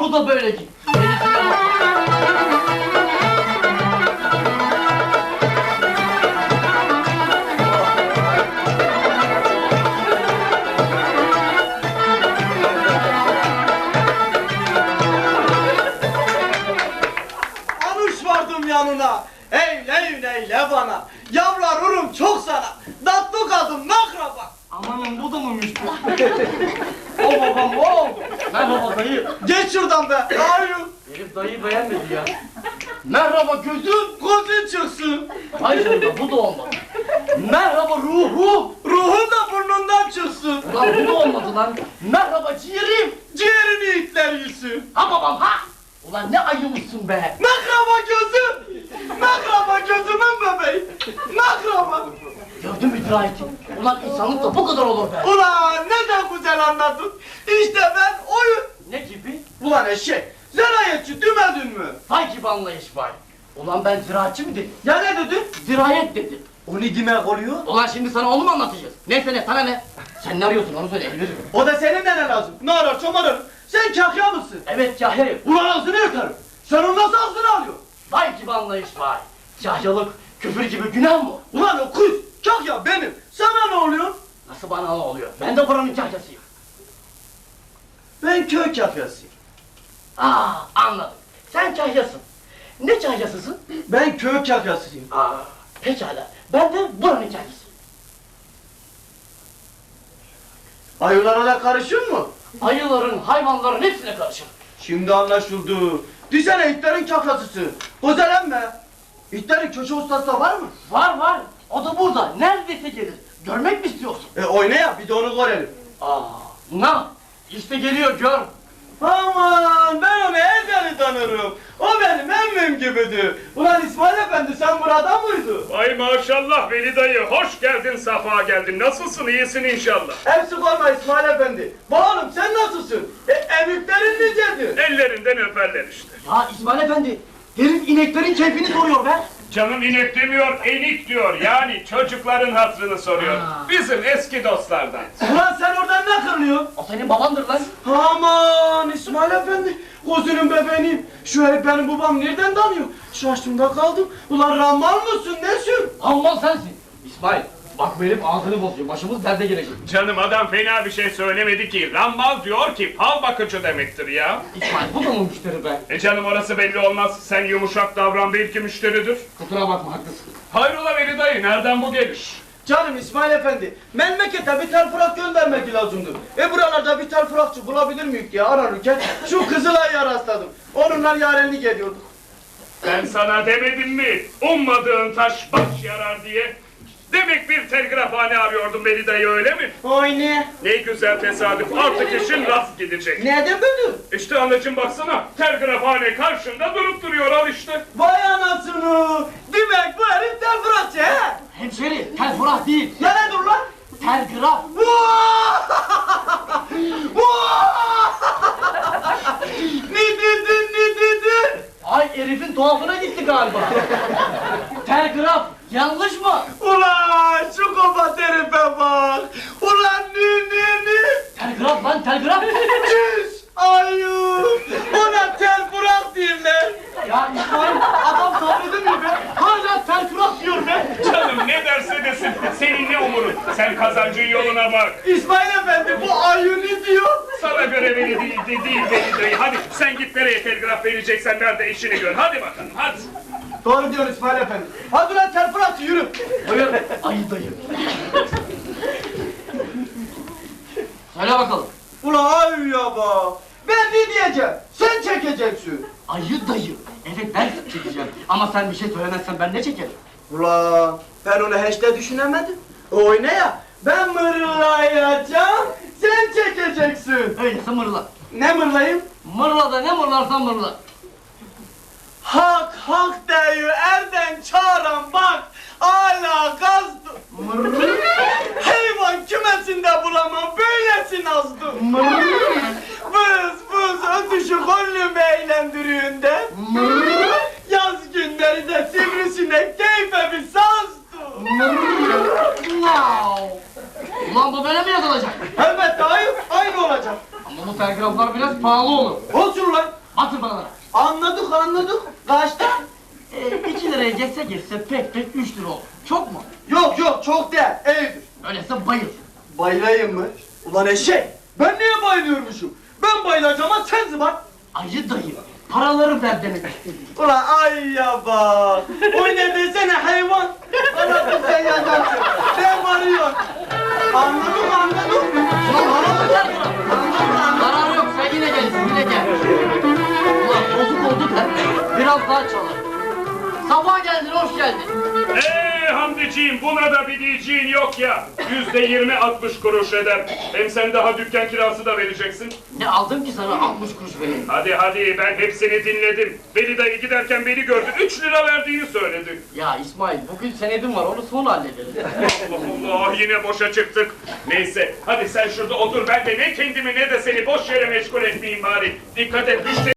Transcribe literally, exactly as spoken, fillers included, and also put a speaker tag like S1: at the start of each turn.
S1: Onu da böyle giy. Gerisine bak.
S2: Anuş vardım yanına. Eyle eyle bana. Yavrularım çok sana. Tatlı kadın nakraba.
S1: Amanın bu da mıymış bu? O babam o. Merhaba dayı.
S2: Geç şuradan be. Hayır.
S1: Herif dayıyı beğenmedi ya. Merhaba gözüm.
S2: Gözün çıksın.
S1: Hayır orada bu da olmadı. Merhaba ruhum.
S2: Ruhun da burnundan çıksın.
S1: Ulan bu da olmadı lan. Merhaba ciğerim.
S2: Ciğerini itler yesin.
S1: Ha babam ha. Ulan ne ayımışsın be.
S2: Nakraba gözüm. Nakraba gözümün bebeği. Nakraba.
S1: Gördün mü dirayeti? Ulan insanlık da bu kadar olur be.
S2: Ulan ne de güzel anladın. İşte ben oyun.
S1: Ne gibi?
S2: Ulan eşek. Zerayetçi demedin mi?
S1: Vay gibi anlayış var. Ulan ben ziraatçı mı dedim?
S2: Ya ne dedin?
S1: Zirayet dedim.
S2: O ne demek oluyor?
S1: Ulan şimdi sana onu mu anlatacağız? Neyse ne sana ne? Sen ne arıyorsun onu söyle Elvir.
S2: O da senin de ne lazım? Ne arar çomarır? Sen kahya mısın?
S1: Evet Kahya'yım.
S2: Ulan ağzını yakarım. Sen onu nasıl ağzına alıyorsun?
S1: Vay gibi anlayış var. Kahyalık küfür gibi günah mı?
S2: Ulan o kız kahya benim. Sana ne oluyor?
S1: Nasıl bana ne oluyor? Ben de buranın kahyasıyım.
S2: Ben köy kahyasıyım.
S1: Aa anladım. Sen kahyasın. Ne kahyasısın?
S2: Ben köy kahyasıyım.
S1: Aa pekala. Ben de buranın kahyasıyım.
S2: Ayılara da karışır mı?
S1: Ayıların, hayvanların hepsine karışır.
S2: Şimdi anlaşıldı. Düşene itlerin kahyasısın. Özelenme. İtlerin köşe ustası da var mı?
S1: Var var. O da burada. Neredeyse gelir. Görmek mi istiyorsun?
S2: E oyna ya bir de onu görelim.
S1: Aa, na, işte geliyor gör.
S2: Aman ben onu ezeli tanırım. O benim emmim gibidir. Ulan İsmail Efendi sen burada mıydın?
S3: Ay maşallah Veli dayı, hoş geldin, safa geldin. Nasılsın, iyisin inşallah.
S2: Hepsi olma İsmail Efendi. Bağlım sen nasılsın? E, emüklerin nicedir?
S3: Ellerinden öperler işte.
S1: Ya İsmail Efendi, herif ineklerin keyfini soruyor be.
S3: Canım inek demiyor, enik diyor. Yani çocukların hatırını soruyor.
S1: Ha.
S3: Bizim eski dostlardan.
S2: Ulan sen oradan ne kırılıyorsun?
S1: O senin babandır lan.
S2: Aman İsmail Efendi. Gözünün bebeğiniyim. Şu herif benim babam nereden tanıyor? Şaştımda kaldım. Ulan ramal mısın nesin?
S1: Alman sensin. İsmail, bak bu herif ağzını bozuyor. Başımız derde gelecek.
S3: Canım adam fena bir şey söylemedi ki. Rammal diyor ki fal bakıcı demektir ya.
S1: İsmail, bu da mı müşteri be?
S3: E canım orası belli olmaz. Sen yumuşak davran, belki müşteridir.
S1: Kusura bakma, haklısın.
S3: Hayrola Veli dayı, nereden bu geliş?
S2: Canım İsmail Efendi. Memlekete bir telfrak göndermek lazımdı. E buralarda bir telfrakçı bulabilir miyik diye ararken şu Kızılay'a rastladım. Onunla yarenlik ediyorduk.
S3: Ben sana demedim mi? Ummadığın taş baş yarar diye. Demek bir telgrafhane arıyordun Veli dayı, öyle mi?
S2: Oy ne?
S3: Ne güzel tesadüf, artık işin rast gidecek.
S2: Nereden bildin?
S3: İşte anacığım baksana, telgrafhane karşında durup duruyor, al işte.
S2: Vay anasını! Demek bu herif telfrakçı he?
S1: Hemşeri, telgraf değil.
S2: Ya ne dur lan?
S1: Telgraf.
S2: Ne dedin ne dedin?
S1: Ay herifin tuhafına gitti galiba. Telgraf, yanlış mı?
S2: Ulan şu kafa herife bak! Ulan ne ne ne!
S1: Telgraf lan, telgraf.
S2: Çüş! Ayıp! Ona telfrak derler!
S1: Ya İsmail, adam sabredemiyor be. Hala telgraf diyor be.
S3: Canım ne derse desin, senin ne umurun? Sen kazancın yoluna bak.
S2: İsmail Efendi bu ayı ne diyor?
S3: Sana göre Veli değil, de, değil Veli dayı. Hadi sen git nereye telgraf vereceksen ver de işini gör. Hadi bakalım, hadi.
S2: Doğru diyor İsmail Efendi. Hadi lan telfrakçı yürü!
S1: Buyur, ayı dayı. Söyle bakalım.
S2: Ulan ayı ya bak! Ben ne diyeceğim? Sen çekeceksin!
S1: Ayı dayı. Evet ben çekeceğim. Ama sen bir şey söylemezsen ben ne çekerim?
S2: Ulan ben onu hiç de düşünemedim. Oyna ya! Ben mırlayacağım, sen çekeceksin!
S1: Öyleyse mırla.
S2: Ne mırlayayım?
S1: Mırla da ne mırlarsan mırla.
S2: Hak hak deyu erden çağıran bak hala gazdı. Hayvan kümesinde bulamam böylesi nazdı. Vız vız ötüşü gönlümü eğlendiriğinde. Yaz günleri de sivrisinek keyfe bir sazdı.
S1: Ulan bu böyle mi yazılacak?
S2: Elbette hayır aynı olacak.
S1: Ama bu telgraflar biraz pahalı olur.
S2: Olsun lan
S1: Atın paraları.
S2: Anladık anladık. Kaçta?
S1: Ee, iki liraya geçse geçse pek pek üç lira olur. Çok mu?
S2: Yok yok çok değil. Evdir.
S1: Öyleyse bayıl.
S2: Bayılayım mı? Ulan eşek. Ben niye bayılıyormuşum? Ben bayılacağım ama sen zıbar.
S1: Ayı dayı. Paraları ver demek istedim.
S2: Ulan ay ya bak. O ne desene hayvan. Anladın sen yanarsın. Ben varıyorum. Anladım anladım.
S1: Zarar yok, sen yine gelsin, yine gel. Ulan bozuk oldu da biraz daha çalar. Sabah geldin, hoş geldin.
S3: Eee Hamdiciğim, buna da bir diyeceğin yok ya. Yüzde yirmi altmış kuruş eder. Hem sen daha dükkan kirası da vereceksin.
S1: Ne aldım ki sana altmış kuruş vereyim?
S3: Hadi hadi, ben hepsini dinledim. Veli dayı giderken beni gördü, üç lira verdiğini söyledi.
S1: Ya İsmail, bugün senedim var, onu sonra hallederiz.
S3: Allah Allah, yine boşa çıktık. Neyse, hadi sen şurada otur, ben de ne kendimi ne de seni boş yere meşgul etmeyeyim bari. Dikkat et, müşteri